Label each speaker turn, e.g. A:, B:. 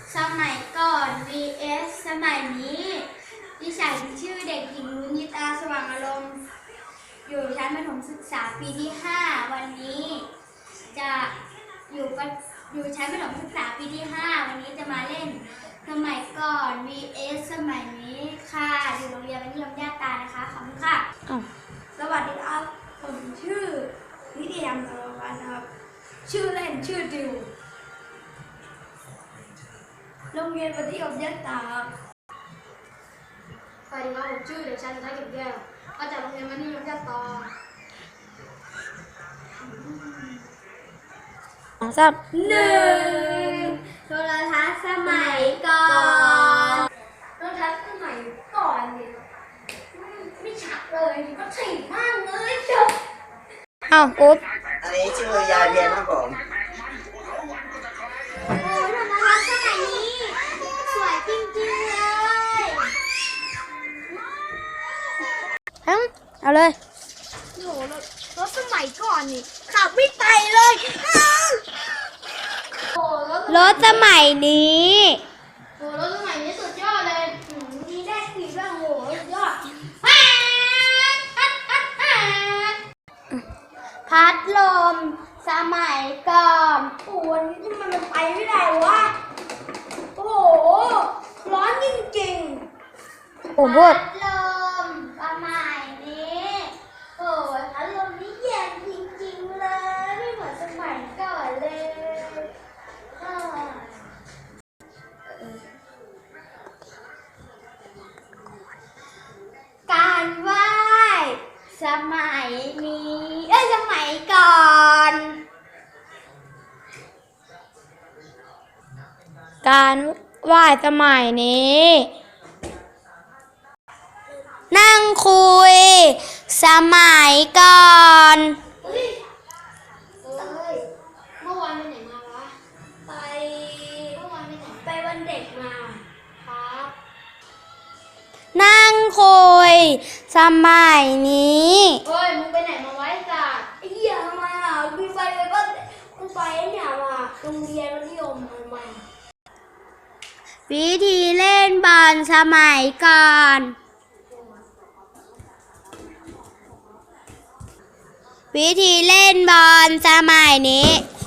A: สมัยก่อน vs สมัยนี้ดิฉันชื่อเด็กหญิงรุญิตาสว่างอารมณ์อยู่ชั้นประถมศึกษาปีที่ 5วันนี้จะอยู่ชั้นประถมศึกษาปีที่ 5วันนี้จะมาเล่นสมัยก่อน vs สมัยนี้ค่ะอยู่โรงเรียนมัธยมย่าตานะคะขอบคุณค่ะสวัสดีครับผมชื่อนิติธรรมนรวัฒน์ครับชื่อเล่นชื่อดิวโรงเรียนมัธยมย่าตา
B: สวัสดีครับผมชื่อเด็กชายสุทัศน์เก็บแก้วมาจากโรงเรียนมัธยมย่าตา
A: 1โทรทัศน์สมัยก่อน
B: โทรทัศน์สมัยก่อนเนี่ยไม่ชัดเลยก็ถี่มากเลยเชียว
C: อุ๊บ
D: อันนี้ชื่อยาเพียนครับผม
A: โอ้โทรทัศน์สมัยนี้สวยจริงๆเลย
C: เอาเลย
B: โอ้โหรถสมัยก่อนนี่ขับไม่ไปเลยโอ้
C: รถสมัยนี้
B: รถสมัยนี้สุดยอดเลยมีได้ขี่ด้วยโอ้โหสุดยอด
A: พัดลมสมัยก่อน
B: โอ้วันนี้ทำไมมันไปไม่ได้วะโอ้โหร้อนจริงๆ
C: ผมพูด
A: พัดลมสมัยนี้โอ้ยพัดลมนี่เย็นจริงๆเลยไม่เหมือนสมัยก่อนเลยการไหว้สมัยนี้สมัยก่อน
C: การไหว้สมัยนี้ นั่งคุย สมัยก่อน
B: เมื่อวานไปไหนมาวะเมื่อวานไปไหนไปวันเด็กมาครับ
C: นั่งคุย สมัยนี้
B: เฮ้ยมึงไปไหนมาไว้สัตว์
A: ไอ้เหี้ยทำไมอ่ะกูไปเลยก็กูไปเนี่ยมาโรงเรียนมัธยมทำไม
C: วิธีเล่นบอลสมัยก่อน วิธีเล่นบอลสมัยนี้